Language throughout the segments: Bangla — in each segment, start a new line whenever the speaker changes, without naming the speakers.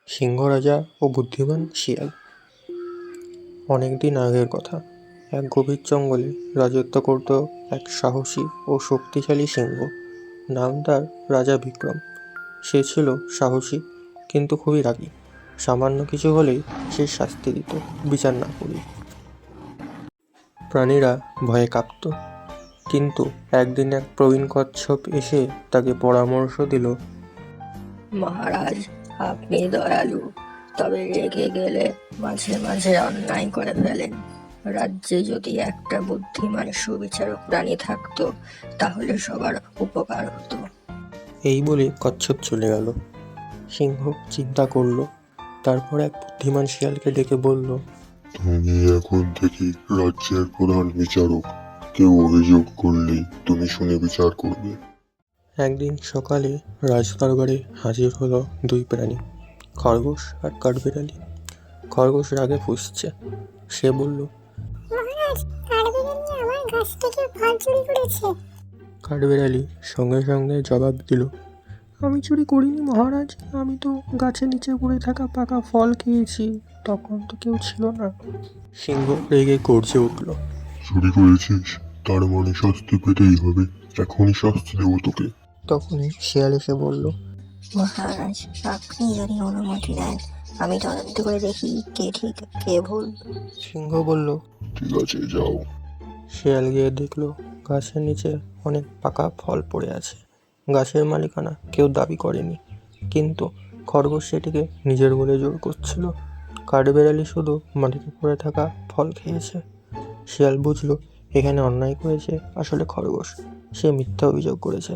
সিংহ রাজা ও বুদ্ধিমান শিয়াল। অনেকদিন আগের কথা। এক গভীর জঙ্গলে রাজত্ব করত এক সাহসী ও শক্তিশালী সিংহ। নাম তার রাজা বিক্রম। সে ছিল সাহসী কিন্তু খুবই রাগী। সামান্য কিছু হলেই সে শাস্তি দিত, বিচার না করি। প্রাণীরা ভয়ে কাঁপত। কিন্তু একদিন এক প্রবীণ কচ্ছপ এসে তাকে পরামর্শ দিল।
মহারাজ, আপনি দয়ালু, তবে রেগে গেলে মাঝে মাঝে অন্যায় করে ফেলেন। রাজ্যে যদি একটা বুদ্ধিমান সুবিচারক প্রাণী থাকতো তাহলে সবার উপকার হতো।
এই বলে কচ্ছপ চলে গেল। সিংহ চিন্তা করলো। তারপর এক বুদ্ধিমান শিয়ালকে ডেকে বলল,
তুমি এখন থেকে রাজ্যের প্রধান বিচারক। কেউ অভিযোগ করলে তুমি শুনে বিচার করবে।
একদিন সকালে রাজদরবারে হাজির হলো দুই প্রাণী, খরগোশ আর কাঠবিড়ালি। খরগোশ রাগে ফুঁসছে। সে বলল,
মহারাজ, কাঠবিড়ালি আমার গাছ থেকে ফল চুরি করেছে।
কাঠবিড়ালি সঙ্গে সঙ্গে জবাব দিল, আমি চুরি করিনি মহারাজ, আমি তো গাছের নিচে পড়ে থাকা পাকা ফল খেয়েছি, তখন তো কেউ ছিল না। সিংহ রেগে গর্জে উঠল।
চুরি করেছিস? তার মানে শাস্তি পেতেই হবে। এখনই শাস্তি দেবো তোকে।
তখনই শিয়াল এসে বলল,
মহারাজ, আপনি যদি অনুমতি দেন আমি তদন্ত করে দেখি কে ঠিক কে ভুল।
সিংহ বলল,
ঠিক আছে, যাও।
শিয়াল গিয়ে দেখলো গাছের নিচে অনেক পাকা ফল পড়ে আছে। গাছের মালিকানা কেউ দাবি করেনি, কিন্তু খরগোশ সেটিকে নিজের বলে জোর করছিল। কাঠবিড়ালি শুধু মাটিতে পড়ে থাকা ফল খেয়েছে। শিয়াল বুঝলো এখানে অন্যায় করেছে আসলে খরগোশ, সে মিথ্যা অভিযোগ করেছে।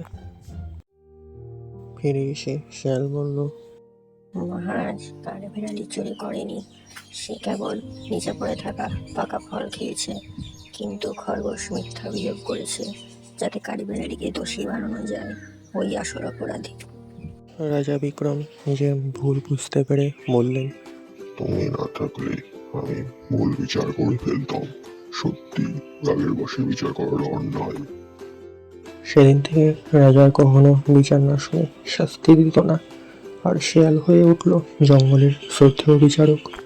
ফিরে এসে শিয়াল বলল,
মহারাজ, কাঠবিড়ালি চুরি করেনি, সে কেবল নিচে পড়ে থাকা পাকা ফল খেয়েছে। কিন্তু খরগোশ মিথ্যা অভিযোগ করেছে যাতে কাঠবিড়ালিকে দোষী বানানো যায়। ওই আসল অপরাধী।
রাজা বিক্রম নিজের ভুল বুঝতে পেরে বললেন,
তুমি না থাকলে আমি ভুল বিচার করে ফেলতাম। সত্যি, রাগের বশে বিচার করাটা অন্যায়।
সেদিন থেকে রাজার কখনো বিচার না শুনে শাস্তি দিত না, আর শেয়াল হয়ে উঠল জঙ্গলের শ্রদ্ধেয় বিচারক।